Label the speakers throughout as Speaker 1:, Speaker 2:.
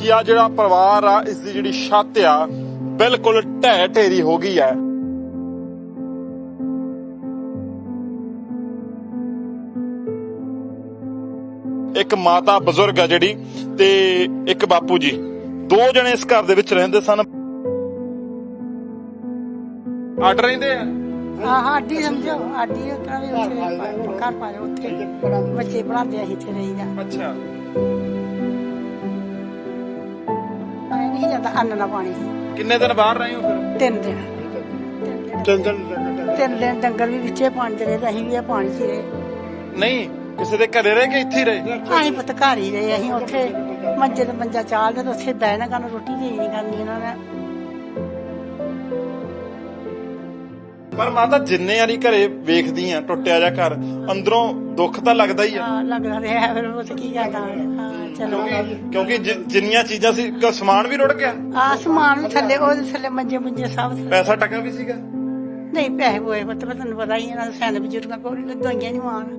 Speaker 1: कि आ जिहड़ा परिवार आ इस दी जिहड़ी छत आ बिल्कुल ढह ढेरी हो गई है। एक माता बजुर्ग है जिहड़ी ते एक बापू जी, दो जने इस घर दे विच रहिंदे सन। ਅੱਡ ਰਹਿੰਦੇ ਆ
Speaker 2: ਆਡੀ ਸਮਝੋ ਆਡੀ ਉਤਰਾ ਵੀ ਉੱਥੇ ਘਰ ਪਾਏ ਉੱਥੇ ਬੱਚੇ ਪੜਾਉਂਦੇ ਅਸੀਂ ਇੱਥੇ ਰਹੀਦਾ।
Speaker 1: ਅੱਛਾ
Speaker 2: ਨਹੀਂ ਜਾਂਦਾ ਅੰਨ ਨਾ ਪਾਣੀ।
Speaker 1: ਕਿੰਨੇ ਦਿਨ ਬਾਹਰ ਰਹੇ ਹੋ ਫਿਰ?
Speaker 2: 3 ਦਿਨ। 3 ਦਿਨ ਡੰਗਰ ਵੀ ਵਿੱਚੇ ਪਾਣੀ ਦੇ ਰਹੇ ਤੇ ਅਸੀਂ ਵੀ ਇਹ ਪਾਣੀ 'ਚ ਰਹੇ।
Speaker 1: ਨਹੀਂ ਕਿਸੇ ਦੇ ਘਰੇ ਰਹੇ ਕਿ ਇੱਥੇ ਹੀ ਰਹੇ?
Speaker 2: ਅਸੀਂ ਪੁੱਤ ਘਰ ਹੀ ਰਹੇ। ਅਸੀਂ ਉੱਥੇ ਮੰਜੇ ਤੇ ਮੰਜਾ ਚਾਲਦੇ ਤੇ ਉੱਥੇ ਬਹਿਣਾ ਕਰਨ ਰੋਟੀ ਦੇ ਨਹੀਂ ਕਰਨੀ ਇਹਨਾਂ ਨੇ।
Speaker 1: ਪਰ ਮਾਤਾ ਜਿੰਨੇ ਵਾਰੀ ਘਰੇ ਵੇਖਦੀ ਆ ਟੁੱਟਿਆ ਜਾ ਘਰ ਅੰਦਰੋਂ ਦੁੱਖ ਤਾਂ ਲੱਗਦਾ ਹੀ ਆ।
Speaker 2: ਲੱਗਦਾ ਰਿਹਾ ਫਿਰ ਉਹ ਕੀ ਕਰਦਾ। ਚਲੋ
Speaker 1: ਕਿਉਂਕਿ ਜਿੰਨੀਆਂ ਚੀਜ਼ਾਂ ਸੀ ਸਮਾਨ ਵੀ ਰੁੜ ਗਿਆ।
Speaker 2: ਸਮਾਨ ਵੀ ਥੱਲੇ ਉਹਦੇ ਥੱਲੇ ਮੰਜੇ ਮੁੰਜੇ ਸਭ।
Speaker 1: ਪੈਸਾ ਟਕਾ ਵੀ ਸੀਗਾ?
Speaker 2: ਨਹੀਂ ਪੈਸੇ ਹੋਏ ਪੁੱਤ ਤੁਹਾਨੂੰ ਪਤਾ ਹੀ ਇਹਨਾਂ ਦੇ ਸੈਨ ਬਜ਼ੁਰਗਾਂ ਕੋਲ ਦਵਾਈਆਂ ਨਹੀਂ ਮਾਣ।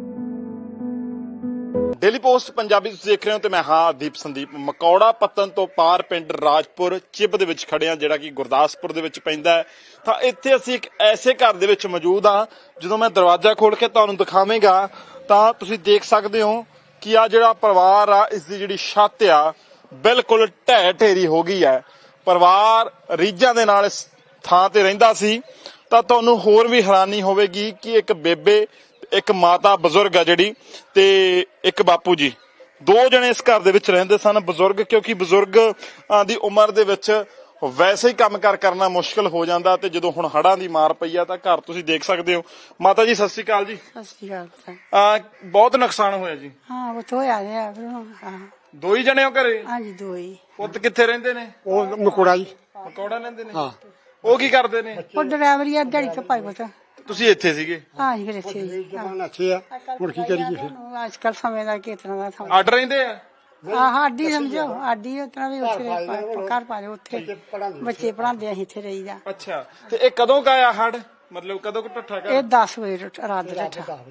Speaker 1: ਡੇਲੀ ਪੋਸਟ ਪੰਜਾਬੀ ਤੁਸੀਂ ਦੇਖ ਰਹੇ ਹੋ ਤੇ ਮੈਂ ਹਾਂ ਦੀਪ ਸੰਦੀਪ। ਮਕੌੜਾ ਪੱਤਨ ਤੋਂ ਪਾਰ ਪਿੰਡ ਰਾਜਪੁਰ ਚਿਬ ਦੇ ਵਿੱਚ ਖੜੇ ਹਾਂ ਜਿਹੜਾ ਕਿ ਗੁਰਦਾਸਪੁਰ ਦੇ ਵਿੱਚ ਪੈਂਦਾ ਹੈ। ਤਾਂ ਇੱਥੇ ਅਸੀਂ ਇੱਕ ਐਸੇ ਘਰ ਦੇ ਵਿੱਚ ਮੌਜੂਦ ਹਾਂ ਜਦੋਂ ਮੈਂ ਦਰਵਾਜ਼ਾ ਖੋਲ ਕੇ ਤੁਹਾਨੂੰ ਦਿਖਾਵਾਂਗਾ ਤਾਂ ਤੁਸੀਂ ਦੇਖ ਸਕਦੇ ਹੋ ਕਿ ਆ ਜਿਹੜਾ ਪਰਿਵਾਰ ਆ ਇਸ ਦੀ ਜਿਹੜੀ ਛੱਤ ਆ ਬਿਲਕੁਲ ਢਹਿ ਢੇਰੀ ਹੋ ਗਈ ਹੈ। ਪਰਿਵਾਰ ਰੀਝਾਂ ਦੇ ਨਾਲ ਇਸ ਥਾਂ ਤੇ ਰਹਿੰਦਾ ਸੀ। ਤਾਂ ਤੁਹਾਨੂੰ ਹੋਰ ਵੀ ਹੈਰਾਨੀ ਹੋਵੇਗੀ ਕਿ ਇੱਕ ਬੇਬੇ, ਇੱਕ ਮਾਤਾ ਬਜ਼ੁਰਗ ਆ ਜਿਹੜੀ ਤੇ ਇੱਕ ਬਾਪੂ ਜੀ, ਦੋ ਜਣੇ ਇਸ ਘਰ ਦੇ ਵਿੱਚ ਰਹਿੰਦੇ ਸਨ। ਬਜ਼ੁਰਗ ਕਿਉਂਕਿ ਬਜ਼ੁਰਗ ਦੀ ਉਮਰ ਦੇ ਵਿੱਚ ਵੈਸੇ ਹੀ ਕੰਮ ਕਰਨਾ ਮੁਸ਼ਕਲ ਹੋ ਜਾਂਦਾ ਤੇ ਜਦੋਂ ਹੁਣ ਹੜ੍ਹਾਂ ਦੀ ਮਾਰ ਪਈ ਆ ਤਾਂ ਘਰ ਤੁਸੀਂ ਦੇਖ ਸਕਦੇ ਹੋ। ਮਾਤਾ ਜੀ ਸਤਿ ਸ਼੍ਰੀ ਅਕਾਲ ਜੀ।
Speaker 2: ਸਤਿ ਸ਼੍ਰੀ ਅਕਾਲ।
Speaker 1: ਬਹੁਤ ਨੁਕਸਾਨ ਹੋਇਆ ਜੀ।
Speaker 2: ਹਾਂ ਉਹ ਤੋਂ ਹੋਇਆ ਰਿਹਾ।
Speaker 1: ਦੋ ਹੀ ਜਣੇ ਹੋ ਘਰੇ?
Speaker 2: ਹਾਂਜੀ ਦੋ ਹੀ।
Speaker 1: ਪੁੱਤ ਕਿੱਥੇ ਰਹਿੰਦੇ ਨੇ?
Speaker 3: ਉਹ ਮਕੌੜਾ ਜੀ।
Speaker 1: ਮਕੌੜਾ ਲੈਂਦੇ ਨੇ?
Speaker 3: ਹਾਂ।
Speaker 1: ਉਹ ਕੀ ਕਰਦੇ ਨੇ?
Speaker 2: ਉਹ ਡਰਾਈਵਰ ਹੀ ਆ ਦਿਹਾੜੀ ਤੋਂ ਭਾਈ ਪੁੱਤ।
Speaker 1: ਤੁਸੀਂ ਇੱਥੇ ਸੀਗੇ?
Speaker 2: ਹਾਂ ਜੀ ਫਿਰ ਇੱਥੇ
Speaker 3: ਜਮਾਨ ਅੱਛੇ ਆ ਹੁਣ ਕੀ ਕਰੀਏ ਫਿਰ।
Speaker 2: ਅੱਜ ਕੱਲ ਸਮੇਂ ਦਾ ਕਿਸ ਤਰ੍ਹਾਂ ਦਾ ਸਮਾਂ।
Speaker 1: ਅੱਡ ਰਹਿੰਦੇ ਆ?
Speaker 2: ਆਡੀ ਸਮਝੋ ਆਡੀ ਉਤਰਾ ਵੀ ਉੱਥੇ ਘਰ ਪਾਏ ਉੱਥੇ ਬੱਚੇ ਪੜਾਉਂਦੇ ਅਸੀਂ ਇੱਥੇ ਰਹੀਦਾ।
Speaker 1: ਅੱਛਾ ਤੇ ਇਹ ਕਦੋਂ ਕਾਇਆ ਹੜ? ਮਤਲਬ ਕਦੋਂ ਕੁ ਟੱਠਾ ਕਰ?
Speaker 2: ਇਹ 10 ਵਜੇ ਰਾਤ ਦਾ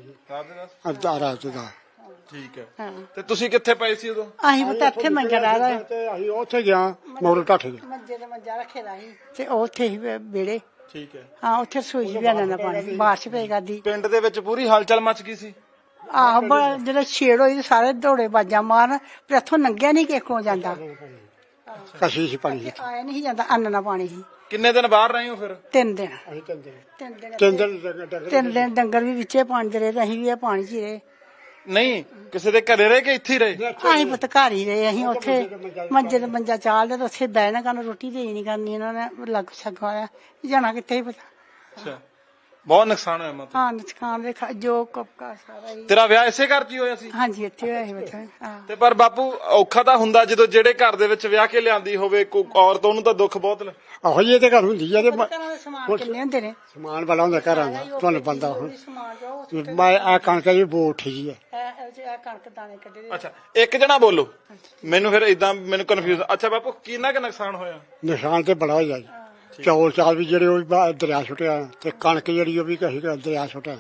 Speaker 3: ਰਾਤ ਦਾ।
Speaker 1: ਠੀਕ ਹੈ। ਤੇ ਤੁਸੀਂ ਕਿੱਥੇ ਪਏ ਸੀ ਉਦੋਂ?
Speaker 2: ਅਸੀਂ ਪਤਾ ਇੱਥੇ ਮੰਜਾ ਲਾ ਰਹੇ
Speaker 3: ਤੇ ਅਸੀਂ ਉੱਥੇ ਗਿਆ ਮੋੜ ਢੱਠ ਗਿਆ।
Speaker 2: ਮੰਜੇ ਤੇ ਮੰਜਾ ਰੱਖੇ ਦਾ ਸੀ ਤੇ ਉੱਥੇ ਹੀ ਵਿਹੜੇ।
Speaker 1: ਠੀਕ ਹੈ।
Speaker 2: ਹਾਂ ਉੱਥੇ ਸੋਈ ਵੀ ਆਣਾ ਪਾਣੀ ਬਾਰਿਸ਼ ਪਈ ਕਰਦੀ।
Speaker 1: ਪਿੰਡ ਦੇ ਵਿੱਚ ਪੂਰੀ ਹਲਚਲ ਮਚ ਗਈ ਸੀ।
Speaker 2: ਆਹੋ ਜਦੋਂ ਛੇੜ ਹੋਈ ਸਾਰੇ ਦੌੜੇ ਬਾਜਾਂ ਮਾਰਨ ਪਰ ਇੱਥੋਂ ਲੰਘਿਆ ਨਹੀਂ ਕਿਸੇ ਕੋਲ ਜਾਂਦਾ।
Speaker 3: ਕਸ਼ੀ ਸੀ ਪਾਣੀ
Speaker 2: ਆਇਆ ਨਹੀਂ ਜਾਂਦਾ ਅੰਨ ਨਾ ਪਾਣੀ ਸੀ।
Speaker 1: ਕਿੰਨੇ ਦਿਨ ਬਾਹਰ ਰਹੇ ਹੋ ਫਿਰ?
Speaker 2: 3 ਦਿਨ।
Speaker 3: ਅਸੀਂ 3 ਦਿਨ।
Speaker 2: 3 ਦਿਨ ਡੰਗਰ ਵੀ ਵਿੱਚੇ ਪਾਣੀ ਦੇ ਰਹੇ ਤੇ ਅਸੀਂ ਵੀ ਇਹ ਪਾਣੀ 'ਚ ਹੀ ਰਹੇ।
Speaker 1: ਨਹੀਂ ਕਿਸੇ ਦੇ ਘਰੇ ਰਹੇ ਕਿ ਇੱਥੇ ਹੀ ਰਹੇ?
Speaker 2: ਅਸੀਂ ਪੁੱਤ ਘਰ ਹੀ ਰਹੇ। ਅਸੀਂ ਉੱਥੇ ਮੰਜੇ ਤੇ ਮੰਜਾ ਚਾਲਦੇ ਤੇ ਉੱਥੇ ਬਹਿਣਾ ਕਰਨ ਰੋਟੀ ਦੇ ਨਹੀਂ ਕਰਨੀ ਇਹਨਾਂ ਨੇ। ਲੱਗ ਛੱਗਾ ਹੋਇਆ ਜਾਣਾ ਕਿੱਥੇ ਹੀ ਪਤਾ।
Speaker 1: ਅੱਛਾ ਬਹੁਤ ਨੁਕਸਾਨ ਹੋਇਆ ਮਾਤਾ?
Speaker 2: ਹਾਂ ਨੁਕਸਾਨ ਦੇ ਜੋ ਕਪਕਾ ਸਾਰਾ ਹੀ।
Speaker 1: ਤੇਰਾ ਵਿਆਹ ਇਸੇ ਘਰ 'ਚ ਹੀ ਹੋਇਆ ਸੀ?
Speaker 2: ਹਾਂਜੀ ਇੱਥੇ ਹੋਇਆ ਸੀ ਪੁੱਤ। ਹਾਂ
Speaker 1: ਤੇ ਪਰ ਬਾਪੂ ਔਖਾ ਤਾਂ ਹੁੰਦਾ ਜਦੋਂ ਜਿਹੜੇ ਘਰ ਦੇ ਵਿੱਚ ਵਿਆਹ ਕੇ ਲਿਆਂਦੀ ਹੋਵੇ ਕੋਈ ਔਰਤ, ਉਹਨੂੰ ਤਾਂ ਦੁੱਖ ਬਹੁਤ।
Speaker 3: ਆਹੋ ਜੀ ਇਹ ਤੇ ਘਰ ਹੁੰਦੀ ਆ ਤੇ
Speaker 2: ਸਮਾਨ ਕਿੰਨੇ ਹੁੰਦੇ ਨੇ?
Speaker 3: ਸਮਾਨ ਬੜਾ ਹੁੰਦਾ ਘਰਾਂ ਦਾ ਤੁਹਾਨੂੰ ਬੰਦਾ ਹੁਣ ਮੈਂ ਆ ਕਣਕ ਦੀ ਬੋ ਉੱਠੀ ਜੀ ਹੈ।
Speaker 2: ਕਣਕ ਦਾਣੇ ਕੱਢੇ।
Speaker 1: ਅੱਛਾ ਇੱਕ ਜਣਾ ਬੋਲੋ ਮੈਨੂੰ ਫਿਰ ਇਦਾਂ ਮੈਨੂੰ ਕਨਫਿਊਜ਼। ਅੱਛਾ ਬਾਪੂ ਕਿੰਨਾ ਕੁ ਨੁਕਸਾਨ ਹੋਇਆ?
Speaker 3: ਨਿਸ਼ਾਨ ਤੇ ਬੜਾ ਹੋਇਆ ਜੀ। ਚੌਲ ਚਾਲ ਵੀ ਜਿਹੜੇ ਉਹ ਵੀ ਦਰਿਆ ਸੁੱਟਿਆ ਤੇ ਕਣਕ ਜਿਹੜੀ ਉਹ ਵੀ ਕਹੀ ਦਰਿਆ ਸੁੱਟਿਆ।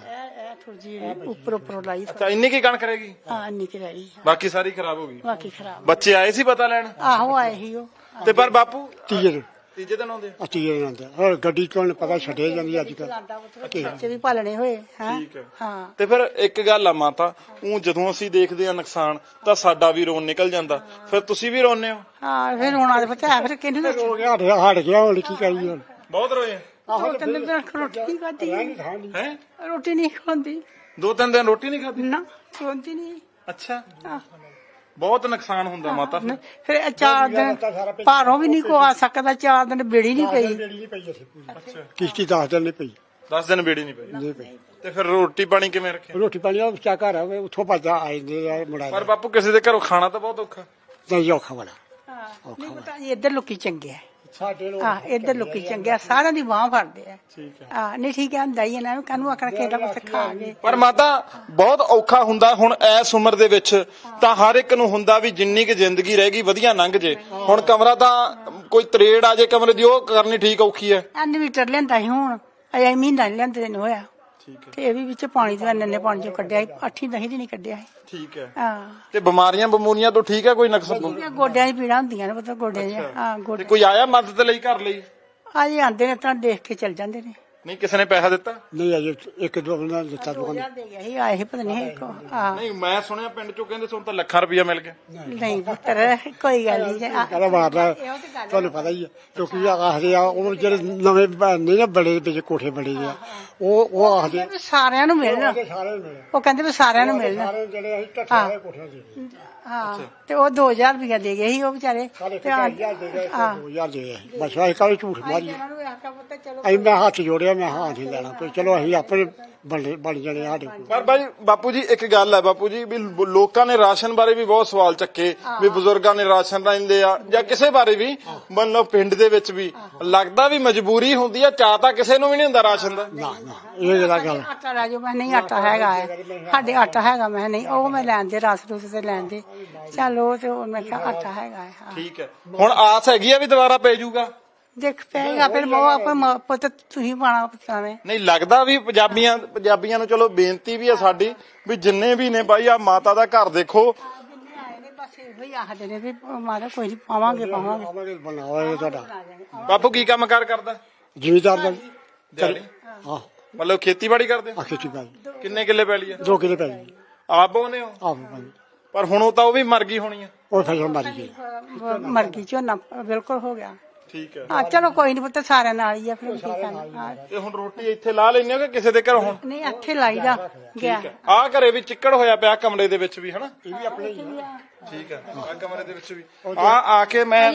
Speaker 2: ਉੱਪਰ ਲਾਈ।
Speaker 1: ਅੱਛਾ ਇੰਨੀ ਕੀ ਕਣਕ ਰਹਿ ਗਈ?
Speaker 2: ਹਾਂ ਇੰਨੀ ਕਿ ਰਹੀ।
Speaker 1: ਬਾਕੀ ਸਾਰੀ ਖਰਾਬ ਹੋ ਗਈ?
Speaker 2: ਬਾਕੀ ਖਰਾਬ।
Speaker 1: ਬੱਚੇ ਆਏ ਸੀ ਪਤਾ ਲੈਣ?
Speaker 2: ਆਹੋ ਆਏ ਸੀ ਉਹ।
Speaker 1: ਤੇ ਪਰ ਬਾਪੂ
Speaker 3: ਤੀਜੇ ਦਿਨ
Speaker 1: ਆਉਂਦੇ?
Speaker 3: ਤੀਜੇ ਦਿਨ ਆਉਂਦੇ। ਹੋਰ ਗੱਡੀ ਤੁਹਾਨੂੰ ਪਤਾ ਛੱਡੇ ਜਾਂਦੀ ਅੱਜ ਕੱਲ।
Speaker 2: ਬੱਚੇ ਵੀ ਪਾਲਣੇ ਹੋਏ।
Speaker 1: ਠੀਕ ਹੈ।
Speaker 2: ਹਾਂ
Speaker 1: ਤੇ ਫਿਰ ਇੱਕ ਗੱਲ ਆ ਮਾਤਾ, ਉਹ ਜਦੋਂ ਅਸੀਂ ਦੇਖਦੇ ਆ ਨੁਕਸਾਨ ਤਾਂ ਸਾਡਾ ਵੀ ਰੋਣ ਨਿਕਲ ਜਾਂਦਾ। ਫਿਰ ਤੁਸੀਂ ਵੀ ਰੋਂਦੇ ਹੋ?
Speaker 2: ਹਾਂ ਫਿਰ ਰੋਣਾ ਤੇ ਪਤਾ ਫਿਰ ਕਿਹਨੂੰ ਦੱਸੋ।
Speaker 3: ਹਟ ਗਿਆ ਹੁਣ ਕੀ ਕਰੀਏ ਹੁਣ।
Speaker 1: ਬਹੁਤ ਰੋਏ?
Speaker 2: 2-3 ਦਿਨ ਰੋਟੀ ਨਹੀਂ ਖਾਦੀ
Speaker 1: ਹੈ।
Speaker 2: ਰੋਟੀ ਨਹੀਂ ਖਾਂਦੀ।
Speaker 1: 2-3 ਦਿਨ ਰੋਟੀ ਨਹੀਂ ਖਾਦੀ?
Speaker 2: ਨਾ ਖਾਂਦੀ ਨਹੀਂ।
Speaker 1: ਅੱਛਾ ਬਹੁਤ ਨੁਕਸਾਨ ਹੁੰਦਾ ਮਾਤਾ।
Speaker 2: ਫਿਰ 4 ਦਿਨ ਭਾਰੋਂ ਵੀ ਨਹੀਂ ਕੋ ਆ ਸਕਦਾ। 4 ਦਿਨ ਬੇੜੀ ਨਹੀਂ ਪਈ।
Speaker 1: ਅੱਛਾ
Speaker 3: ਕਿਸ਼ਤੀ 10 ਦਿਨ ਨਹੀਂ ਪਈ।
Speaker 1: 10 ਦਿਨ ਬੇੜੀ ਨਹੀਂ ਪਈ?
Speaker 3: ਨਹੀਂ ਪਈ।
Speaker 1: ਤੇ ਫਿਰ ਰੋਟੀ ਪਾਣੀ ਕਿਵੇਂ ਰੱਖਿਆ?
Speaker 3: ਰੋਟੀ ਪਾਣੀ ਉਹ ਬੱਚਾ ਘਰ ਆਵੇ ਉੱਥੋਂ ਭੱਜਦਾ ਆ ਜਾਂਦੇ ਆ ਮੁੰਡਾ।
Speaker 1: ਪਰ ਬਾਪੂ ਕਿਸੇ ਦੇ ਘਰੋਂ ਖਾਣਾ ਤਾਂ ਬਹੁਤ ਔਖਾ।
Speaker 3: ਨਹੀਂ ਔਖਾ ਵਾਲਾ।
Speaker 2: ਨਹੀਂ ਪਤਾ ਜੀ ਇੱਧਰ ਲੋਕੀ ਚੰਗੇ ਆ।
Speaker 3: ਸਾਡੇ ਲੋਕ
Speaker 2: ਹਾਂ ਇੱਧਰ ਲੋਕੀ ਚੰਗੇ ਆ। ਸਾਰਿਆਂ ਦੀ ਬਾਂਹ ਫੜਦੇ ਆ।
Speaker 1: ਠੀਕ ਹੈ।
Speaker 2: ਹਾਂ ਨਹੀਂ ਠੀਕ ਹੈ ਹੁੰਦਾ ਹੀ ਇਹਨਾਂ ਨੂੰ ਕਾਹਨੂੰ ਆਖਣਾ ਕਿਹੜਾ ਕੁਛ ਖਾ ਗਏ।
Speaker 1: ਪਰ ਮਾਤਾ ਬਹੁਤ ਔਖਾ ਹੁੰਦਾ ਹੁਣ ਐਸ ਉਮਰ ਦੇ ਵਿੱਚ ਤਾਂ ਹਰ ਇੱਕ ਨੂੰ ਹੁੰਦਾ ਵੀ ਜਿੰਨੀ ਕਿ ਜ਼ਿੰਦਗੀ ਰਹਿ ਗਈ ਵਧੀਆ ਲੰਘ ਜੇ। ਹੁਣ ਕਮਰਾ ਤਾਂ ਕੋਈ ਤਰੇੜ ਆ ਜੇ ਕਮਰੇ ਦੀ ਉਹ ਕਰਨੀ ਠੀਕ ਔਖੀ ਹੈ।
Speaker 2: ਇਨਵੀਟਰ ਲੈਂਦਾ ਸੀ ਹੁਣ ਅਜੇ ਮਹੀਨਾ ਨਹੀਂ ਲੈਂਦੇ ਤੈਨੂੰ ਹੋਇਆ।
Speaker 1: ਠੀਕ ਹੈ
Speaker 2: ਤੇ ਇਹ ਵੀ ਵਿੱਚ ਪਾਣੀ ਤੋਂ ਇੰਨੇ ਪਾਣੀ ਚੋਂ ਕੱਢਿਆ 8-10 ਦਿਨ ਕੱਢਿਆ ਸੀ।
Speaker 1: ਠੀਕ ਹੈ
Speaker 2: ਹਾਂ
Speaker 1: ਤੇ ਬਿਮਾਰੀਆਂ ਬਮੂਰੀਆਂ ਤੋਂ ਠੀਕ ਹੈ ਕੋਈ ਨਕਸ
Speaker 2: ਗੋਡਿਆਂ ਦੀ ਪੀੜਾਂ ਹੁੰਦੀਆਂ ਨੇ ਪਤਾ ਗੋਡੇ ਦੀਆਂ ਹਾਂ
Speaker 1: ਤੇ
Speaker 2: ਗੋਡੇ
Speaker 1: ਕੋਈ ਆਇਆ ਮਦਦ ਲਈ ਘਰ ਲਈ
Speaker 2: ਆਜੇ ਆਂਦੇ ਨੇ ਤਾਂ ਦੇਖ ਕੇ ਚੱਲ ਜਾਂਦੇ ਨੇ।
Speaker 1: ਨਹੀਂ ਕਿਸੇ ਨੇ ਪੈਸਾ ਦਿੱਤਾ
Speaker 3: ਨਹੀਂ ਅਜੇ ਇੱਕ ਦੋ ਬੰਦਾ ਦਿੱਤਾ ਦੁਕਾਨ
Speaker 2: 2000 ਦੇ ਗਿਆ ਸੀ ਆਏ ਸੀ ਪਤਾ ਨਹੀਂ ਕੋ ਹਾਂ
Speaker 1: ਨਹੀਂ ਮੈਂ ਸੁਣਿਆ ਪਿੰਡ ਚੋਂ ਕਹਿੰਦੇ ਤੁਹਾਨੂੰ ਤਾਂ ਲੱਖਾਂ ਰੁਪਇਆ ਮਿਲ ਗਿਆ
Speaker 2: ਨਹੀਂ ਪੁੱਤਰ ਕੋਈ ਗੱਲ ਨਹੀਂ
Speaker 3: ਕਹਿੰਦਾ ਮਾਰਦਾ ਤੁਹਾਨੂੰ ਪਤਾ ਹੀ ਹੈ ਕਿਉਂਕਿ ਆਖਦੇ ਆ ਉਹ ਜਿਹੜੇ ਨਵੇਂ ਨਹੀਂ ਨਾ ਬੜੇ ਵਿੱਚ ਕੋਠੇ ਬਣੇ ਦੇ ਆ ਉਹ ਆਖਦੇ
Speaker 2: ਵੀ ਸਾਰਿਆਂ ਨੂੰ ਮਿਲਣ
Speaker 3: ਸਾਰੇ ਮਿਲੇ
Speaker 2: ਉਹ ਕਹਿੰਦੇ ਵੀ ਸਾਰਿਆਂ ਨੂੰ ਮਿਲਣ
Speaker 3: ਸਾਰੇ ਜਿਹੜੇ ਅਸੀਂ ਟੱਠੇ ਵਾਲੇ ਕੋਠੇ ਦੇ
Speaker 2: ਹਾਂ ਤੇ ਉਹ 2000 ਰੁਪਇਆ ਦੇ ਗਏ ਸੀ ਉਹ ਵਿਚਾਰੇ
Speaker 3: ਸਾਡੇ
Speaker 2: ਤੇ
Speaker 3: 2000 ਦੇ ਗਏ 2000 ਦੇ ਗਏ ਬਸ ਅਸੀਂ ਕਾਹਲੀ ਝੂਠ ਮਾਰੀ
Speaker 2: ਇਹਨਾਂ ਨੂੰ ਆਖਿਆ ਪੁੱਤ ਚਲੋ
Speaker 3: ਅਸੀਂ ਮੈਂ ਹੱਥ ਜੋੜਿਆ ਮੈਂ ਹਾਂ ਨਹੀਂ ਲੈਣਾ ਕੋਈ ਚਲੋ ਅਸੀਂ ਆਪਣੇ ਬਣ ਜਾਣੇ ਸਾਡੇ ਕੋਲ
Speaker 1: ਪਰ ਬਾਈ ਬਾਪੂ ਜੀ ਇੱਕ ਗੱਲ ਹੈ ਬਾਪੂ ਜੀ ਵੀ ਲੋਕਾਂ ਨੇ ਰਾਸ਼ਨ ਬਾਰੇ ਵੀ ਬਹੁਤ ਸਵਾਲ ਚੱਕੇ ਵੀ ਬਜ਼ੁਰਗਾਂ ਨੇ ਰਾਸ਼ਨ ਲੈਂਦੇ ਆ ਜਾਂ ਕਿਸੇ ਬਾਰੇ ਵੀ ਮਤਲਬ ਪਿੰਡ ਦੇ ਵਿੱਚ ਵੀ ਲੱਗਦਾ ਵੀ ਮਜਬੂਰੀ ਹੁੰਦੀ ਆ ਚਾਹ ਤਾਂ ਕਿਸੇ ਨੂੰ ਵੀ ਨਹੀਂ ਹੁੰਦਾ ਰਾਸ਼ਨ ਦਾ
Speaker 3: ਨਾ ਨਾ ਇਹ ਜਿਹੜਾ ਗੱਲ
Speaker 2: ਆਟਾ ਲੈ ਜਾਓ ਮੈਂ ਨਹੀਂ ਆਟਾ ਹੈਗਾ ਹੈ ਸਾਡੇ ਆਟਾ ਹੈਗਾ ਮੈਂ ਨਹੀਂ ਉਹ ਮੈਂ ਲੈਣ ਦੇ ਰਸ ਰੁਸ ਤੇ ਲੈਣ ਦੇ ਚੱਲ ਉਹ ਤੇ ਮੈਂ ਕਿਹਾ ਆਟਾ ਹੈਗਾ ਹੈ ਹਾਂ
Speaker 1: ਠੀਕ ਹੈ ਹੁਣ ਆਸ ਹੈਗੀ ਆ ਵੀ ਦੁਬਾਰਾ ਪੈ ਜਾਊਗਾ
Speaker 2: ਦੇਖ ਪਏਗਾ ਫਿਰ ਮੋ ਆਪਾਂ ਪੁੱਤ ਤੁਸੀਂ ਪਾਣਾ ਪਤਾਵੇਂ
Speaker 1: ਨਹੀਂ ਲੱਗਦਾ ਵੀ ਪੰਜਾਬੀਆਂ ਨੂੰ ਚਲੋ ਬੇਨਤੀ ਵੀ ਆ ਸਾਡੀ ਵੀ ਜਿੰਨੇ ਵੀ ਨੇ ਬਾਈ ਆ ਮਾਤਾ ਦਾ ਘਰ ਦੇਖੋ
Speaker 2: ਬਸ ਇਹੋ ਹੀ ਆਖਦੇ ਨੇ ਵੀ ਮਾਤਾ ਕੋਈ ਨਹੀਂ ਪਾਵਾਂਗੇ
Speaker 3: ਬਣਾਵਾਂਗੇ ਤੁਹਾਡਾ
Speaker 1: ਬਾਪੂ ਕੀ ਕੰਮ ਕਾਰ ਕਰਦਾ
Speaker 3: ਜ਼ਿਮੀਦਾਰ ਦਾ
Speaker 1: ਦਿਹਾੜੀ
Speaker 3: ਹਾਂ
Speaker 1: ਮਤਲਬ ਖੇਤੀਬਾੜੀ ਕਰਦੇ ਹੋ?
Speaker 3: ਆਖੇ ਚੁੱਕਾ
Speaker 1: ਕਿੰਨੇ ਕਿੱਲੇ ਪੈਲੀ ਆ
Speaker 3: 2 ਕਿਲੇ ਪੈ ਗਈ
Speaker 1: ਆਪ ਬੋਨੇ ਹੋ
Speaker 3: ਆਪ ਭਾਈ
Speaker 1: ਪਰ ਹੁਣ ਉਹ ਤਾਂ ਉਹ ਵੀ ਮਰ ਗਈ ਹੋਣੀ ਆ
Speaker 3: ਉਹ ਫਸਲ ਮਰ ਗਈ
Speaker 2: ਮਰ ਗਈ ਝੋਨਾ ਬਿਲਕੁਲ ਹੋ ਗਿਆ
Speaker 1: ਠੀਕ ਹੈ
Speaker 2: ਹਾਂ ਚਲੋ ਕੋਈ ਨਹੀਂ ਪੁੱਤ ਸਾਰਿਆਂ ਨਾਲ ਹੀ ਆ ਫਿਰ ਕੀ ਕਰਨਾ ਹਾਂ
Speaker 1: ਤੇ ਹੁਣ ਰੋਟੀ ਇੱਥੇ ਲਾ ਲੈਣੇ ਹੋ ਕਿ ਕਿਸੇ ਦੇ ਘਰ ਹੁਣ
Speaker 2: ਨਹੀਂ ਇੱਥੇ ਲਾਈਦਾ ਗਿਆ
Speaker 1: ਆ ਘਰੇ ਵੀ ਚਿੱਕੜ ਹੋਇਆ ਪਿਆ ਕਮਰੇ ਦੇ ਵਿੱਚ ਵੀ ਹਨਾ ਇਹ ਵੀ ਆਪਣੇ ਹੀ ਆ ਠੀਕ ਹੈ ਆ ਕਮਰੇ ਦੇ ਵਿੱਚ ਵੀ ਆ ਕੇ ਮੈਂ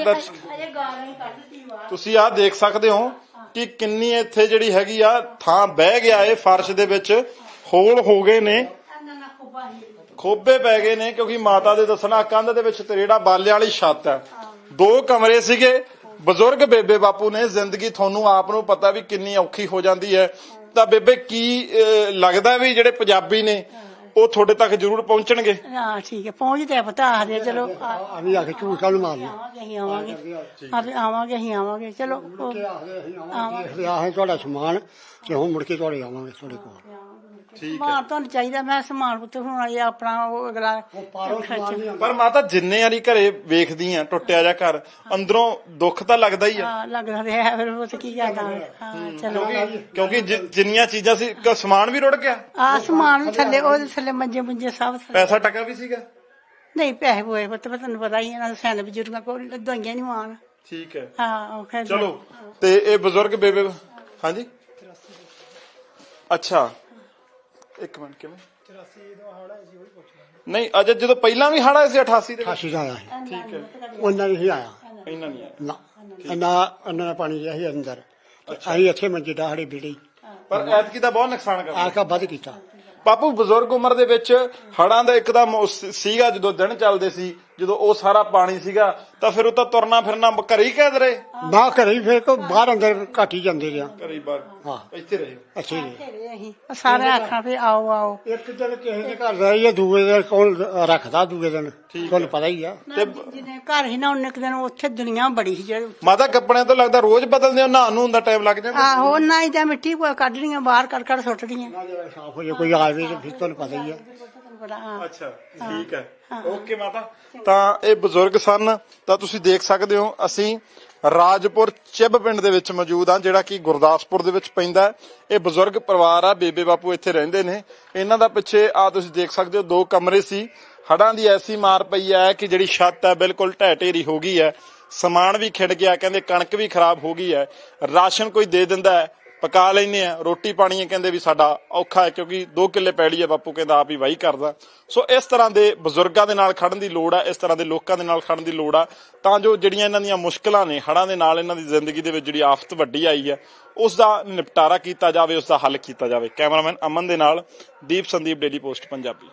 Speaker 1: ਤੁਸੀਂ ਆ ਦੇਖ ਸਕਦੇ ਹੋ ਕਿ ਕਿੰਨੀ ਇੱਥੇ ਜਿਹੜੀ ਹੈਗੀ ਆ ਥਾਂ ਬਹਿ ਗਿਆ ਏ ਫਰਸ਼ ਦੇ ਵਿੱਚ ਹੋਲ ਹੋ ਗਏ ਨੇ ਖੋਬੇ ਪੈ ਗਏ ਨੇ ਕਿਉਂਕਿ ਮਾਤਾ ਦੇ ਦੱਸਣਾ ਕੰਧ ਦੇ ਵਿੱਚ ਤਰੇੜਾ ਬਾਲਿਆਂ ਵਾਲੀ ਛੱਤ ਹੈ 2 ਕਮਰੇ ਸੀਗੇ ਬਜ਼ੁਰਗ ਬੇਬੇ ਬਾਪੂ ਨੇ ਜ਼ਿੰਦਗੀ ਤੁਹਾਨੂੰ ਆਪ ਨੂੰ ਪਤਾ ਵੀ ਕਿੰਨੀ ਔਖੀ ਹੋ ਜਾਂਦੀ ਹੈ ਤਾਂ ਬੇਬੇ ਕੀ ਲੱਗਦਾ ਵੀ ਜਿਹੜੇ ਪੰਜਾਬੀ ਨੇ ਉਹ ਤੁਹਾਡੇ ਤੱਕ ਜ਼ਰੂਰ ਪਹੁੰਚਣਗੇ
Speaker 2: ਹਾਂ ਠੀਕ ਹੈ ਪਹੁੰਚਦੇ ਆ ਪਤਾ ਆਖਦੇ ਚਲੋ
Speaker 3: ਅਸੀਂ ਆ ਕੇ ਝੂਠ ਕਾਹਨੂੰ ਮਾਰਨਾ
Speaker 2: ਅਸੀਂ ਆਵਾਂਗੇ ਅਸੀਂ ਆਵਾਂਗੇ ਚਲੋ
Speaker 3: ਆਖਦੇ ਆਹ ਤੁਹਾਡਾ ਸਮਾਨ ਤੇ ਹੁਣ ਮੁੜ ਕੇ ਤੁਹਾਡੇ ਆਵਾਂਗੇ ਤੁਹਾਡੇ ਕੋਲ
Speaker 2: ਸਮਾਨ ਤੁਹਾਨੂੰ ਚਾਹੀਦਾ ਮੈਂ ਸਮਾਨ ਪੁੱਤ ਹੁਣ ਇਹ ਆਪਣਾ ਉਹ ਅਗਲਾ
Speaker 1: ਪਰ ਮਾਤਾ ਜਿੰਨੇ ਵਾਰੀ ਘਰੇ ਵੇਖਦੀ ਆ ਟੁੱਟਿਆ ਜਾ ਘਰ ਅੰਦਰੋਂ ਦੁੱਖ ਤਾਂ ਲੱਗਦਾ ਹੀ ਆ
Speaker 2: ਹਾਂ ਲੱਗਦਾ ਰਿਹਾ ਫਿਰ ਉਹ ਕੀ ਕਰਦਾ ਹਾਂ ਚਲੋ
Speaker 1: ਕਿਉਂਕਿ ਜਿੰਨੀਆਂ ਚੀਜ਼ਾਂ ਸੀ ਸਮਾਨ ਵੀ ਰੁੜ ਗਿਆ
Speaker 2: ਆ ਸਮਾਨ ਵੀ ਥੱਲੇ ਉਹਦੇ ਥੱਲੇ ਮੰਜੇ ਮੁੰਜੇ ਸਭ ਥੱਲੇ
Speaker 1: ਪੈਸਾ ਟਕਾ ਵੀ ਸੀਗਾ
Speaker 2: ਨਹੀਂ ਪੈਸੇ ਹੋਏ ਪੁੱਤ ਤੁਹਾਨੂੰ ਪਤਾ ਹੀ ਇਹਨਾਂ ਦੇ ਸੈਨ ਬਜ਼ੁਰਗਾਂ ਕੋਲ ਦਵਾਈਆਂ ਨਹੀਂ ਆਉਣ
Speaker 1: ਠੀਕ ਹੈ
Speaker 2: ਹਾਂ ਉਹ ਖੈਰ
Speaker 1: ਚਲੋ ਤੇ ਇਹ ਬਜ਼ੁਰਗ ਬੇਬੇ ਹਾਂਜੀ ਅੱਛਾ ਇੱਕ ਮਿੰਟ ਕਿਵੇਂ 83 ਦਾ ਹੜਾ ਸੀ ਉਹ ਪੁੱਛਣਾ ਨਹੀਂ ਅਜੇ ਜਦੋਂ ਪਹਿਲਾਂ ਵੀ ਹੜਾ ਸੀ 88 ਦੇ
Speaker 3: 88 ਦਾ ਆਇਆ ਸੀ
Speaker 1: ਠੀਕ ਹੈ
Speaker 3: ਉਹਨਾਂ ਨੇ ਹੀ ਆਇਆ
Speaker 1: ਇਹਨਾਂ ਨਹੀਂ ਆਇਆ
Speaker 3: ਨਾ ਉਹਨਾਂ ਪਾਣੀ ਜਿਹਾ ਸੀ ਅੰਦਰ ਅਸੀਂ ਇੱਥੇ ਮੰਜੇ ਡਾਹੜੇ ਬੀੜੀ
Speaker 1: ਪਰ ਐਤਕੀ ਦਾ ਬਹੁਤ ਨੁਕਸਾਨ ਕਰਦਾ
Speaker 3: ਆਕਾ ਵੱਧ ਕੀਤਾ
Speaker 1: ਬਾਪੂ ਬਜ਼ੁਰਗ ਉਮਰ ਦੇ ਵਿੱਚ ਹੜਾਂ ਦਾ ਇੱਕਦਮ ਸੀਗਾ ਜਦੋਂ ਦਿਨ ਚੱਲਦੇ ਸੀ ਜਦੋਂ ਉਹ ਸਾਰਾ ਪਾਣੀ ਸੀਗਾ ਤਾਂ ਫਿਰ ਉਹ ਤਾਂ ਤੁਰਨਾ ਫਿਰਨਾ ਘਰੇ ਹੀ ਕੈਦ ਰਹੇ
Speaker 3: ਨਾ ਘਰੇ ਹੀ ਫਿਰ ਕੋ ਬਾਹਰ ਅੰਦਰ ਘੱਟ ਹੀ ਜਾਂਦੇ ਰਿਹਾ
Speaker 1: ਘਰੇ ਹੀ ਬਾਹਰ
Speaker 3: ਹਾਂ
Speaker 1: ਇੱਥੇ ਰਹੇ
Speaker 3: ਅੱਛੇ ਨੇ
Speaker 2: ਅਸੀਂ ਸਾਰੇ ਆਖਾਂ ਵੀ ਆਓ ਆਓ
Speaker 3: ਇੱਕ ਦਿਨ ਕਿਸੇ ਦੇ ਘਰ ਰਹੀਏ ਦੂਏ ਦਿਨ ਕੌਣ ਰੱਖਦਾ ਦੂਏ ਦਿਨ ਤੁਹਾਨੂੰ ਪਤਾ ਹੀ ਆ
Speaker 2: ਤੇ ਜਿਹਨੇ ਘਰ ਹੀ ਨਾ ਉਹਨੇ ਇੱਕ ਦਿਨ ਉੱਥੇ ਦੁਨੀਆ ਬੜੀ ਸੀ ਜਿਹੜੇ
Speaker 1: ਮਾਤਾ ਕੱਪੜਿਆਂ ਤੋਂ ਲੱਗਦਾ ਰੋਜ਼ ਬਦਲਦੇ ਹੋ ਨਹਾਉਣ ਨੂੰ ਹੁੰਦਾ ਟਾਈਮ ਲੱਗ ਜਾਂਦਾ
Speaker 2: ਆਹੋ ਨਾ ਹੀ ਜਾਂ ਮਿੱਟੀ ਕੱਢਣੀਆਂ ਬਾਹਰ ਕੱਢ ਸੁੱਟਣੀਆਂ
Speaker 3: ਸਾਫ ਹੋ ਜਾ ਕੋਈ ਆਵੇ ਤੇ ਫਿਰ ਤੁਹਾਨੂੰ ਪਤਾ ਹੀ ਆ
Speaker 1: ਅੱਛਾ ਠੀਕ ਹੈ ਓਕੇ ਮਾਤਾ ਤਾਂ ਇਹ ਬਜ਼ੁਰਗ ਸਨ ਤਾਂ ਤੁਸੀਂ ਦੇਖ ਸਕਦੇ ਹੋ ਅਸੀਂ ਰਾਜਪੁਰ ਚਿੱਬ ਪਿੰਡ ਦੇ ਵਿੱਚ ਮੌਜੂਦ ਆ ਜਿਹੜਾ ਕਿ ਗੁਰਦਾਸਪੁਰ ਦੇ ਵਿੱਚ ਪੈਂਦਾ ਹੈ। ਇਹ ਬਜ਼ੁਰਗ ਪਰਿਵਾਰ ਆ ਬੇਬੇ ਬਾਪੂ ਇੱਥੇ ਰਹਿੰਦੇ ਨੇ ਇਹਨਾਂ ਦਾ ਪਿੱਛੇ ਆ ਤੁਸੀਂ ਦੇਖ ਸਕਦੇ ਹੋ 2 ਕਮਰੇ ਸੀ ਹੜਾਂ ਦੀ ਐਸੀ ਮਾਰ ਪਈ ਹੈ ਕਿ ਜਿਹੜੀ ਛੱਤ ਹੈ ਬਿਲਕੁਲ ਢਹਿ ਢੇਰੀ ਹੋ ਗਈ ਹੈ ਸਮਾਨ ਵੀ ਖਿੜ ਗਿਆ ਕਹਿੰਦੇ ਕਣਕ ਵੀ ਖਰਾਬ ਹੋ ਗਈ ਹੈ ਰਾਸ਼ਨ ਕੋਈ ਦੇ ਦਿੰਦਾ ਹੈ ਪਕਾ ਲੈਨੇ ਆ ਰੋਟੀ ਪਾਣੀ ਕਹਿੰਦੇ ਵੀ ਸਾਡਾ ਔਖਾ ਹੈ ਕਿਉਂਕਿ 2 ਕਿੱਲੇ ਪੈਲੀ ਹੈ ਬਾਪੂ ਕਹਿੰਦਾ ਆਪ ਹੀ ਵਾਹੀ ਕਰਦਾ ਸੋ ਇਸ ਤਰ੍ਹਾਂ ਦੇ ਬਜ਼ੁਰਗਾਂ ਦੇ ਨਾਲ ਖੜਨ ਦੀ ਲੋੜ ਆ ਇਸ ਤਰ੍ਹਾਂ ਦੇ ਲੋਕਾਂ ਦੇ ਨਾਲ ਖੜਨ ਦੀ ਲੋੜ ਆ ਤਾਂ ਜੋ ਜਿਹੜੀਆਂ ਇਹਨਾਂ ਦੀਆਂ ਮੁਸ਼ਕਲਾਂ ਨੇ ਹੜਾਂ ਦੇ ਨਾਲ ਇਹਨਾਂ ਦੀ ਜ਼ਿੰਦਗੀ ਦੇ ਵਿੱਚ ਜਿਹੜੀ ਆਫਤ ਵੱਡੀ ਆਈ ਹੈ ਉਸ ਦਾ ਨਿਪਟਾਰਾ ਕੀਤਾ ਜਾਵੇ ਉਸ ਦਾ ਹੱਲ ਕੀਤਾ ਜਾਵੇ ਕੈਮਰਾਮੈਨ ਅਮਨ ਦੇ ਨਾਲ ਦੀਪ ਸੰਦੀਪ ਡੇਲੀ ਪੋਸਟ ਪੰਜਾਬੀ।